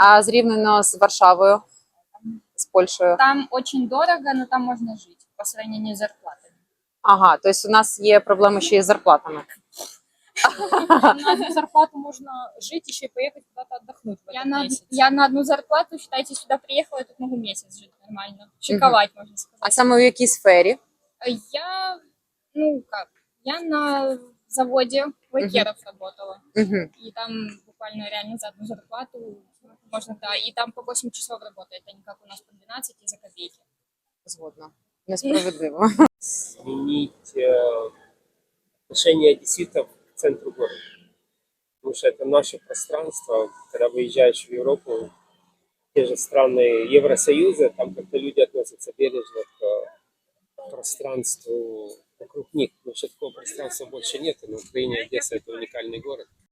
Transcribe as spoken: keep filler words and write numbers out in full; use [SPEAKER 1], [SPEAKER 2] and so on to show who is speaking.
[SPEAKER 1] А зрівняно з Варшавою, з Польщею?
[SPEAKER 2] Там очень дорого, но там можно жить по сравнению с зарплатами.
[SPEAKER 1] Ага, тобто у нас є проблеми ще із зарплатами.
[SPEAKER 3] На одну зарплату можно жить, еще и поехать куда-то отдохнуть в
[SPEAKER 2] Я
[SPEAKER 3] этот
[SPEAKER 2] на,
[SPEAKER 3] месяц.
[SPEAKER 2] я на одну зарплату, считайте, сюда приехала, я тут могу месяц жить нормально. Шиковать, можно
[SPEAKER 1] А
[SPEAKER 2] сказать.
[SPEAKER 1] саме в якій сфері?
[SPEAKER 2] Я, ну как, я на заводе лакеров работала.
[SPEAKER 1] Угу.
[SPEAKER 2] И там буквально реально за одну зарплату можно, да, и там по восемь часов работает, а не как у нас по двенадцать и за копейки.
[SPEAKER 1] Згодна. Несправедливо.
[SPEAKER 4] Сменить э, отношение одесситов к центру города. Потому что это наше пространство. Когда выезжаешь в Европу, те же страны Евросоюза, там как-то люди относятся бережно к пространству вокруг них. Потому что такого пространства больше нет. И на Украине Одесса — это уникальный город.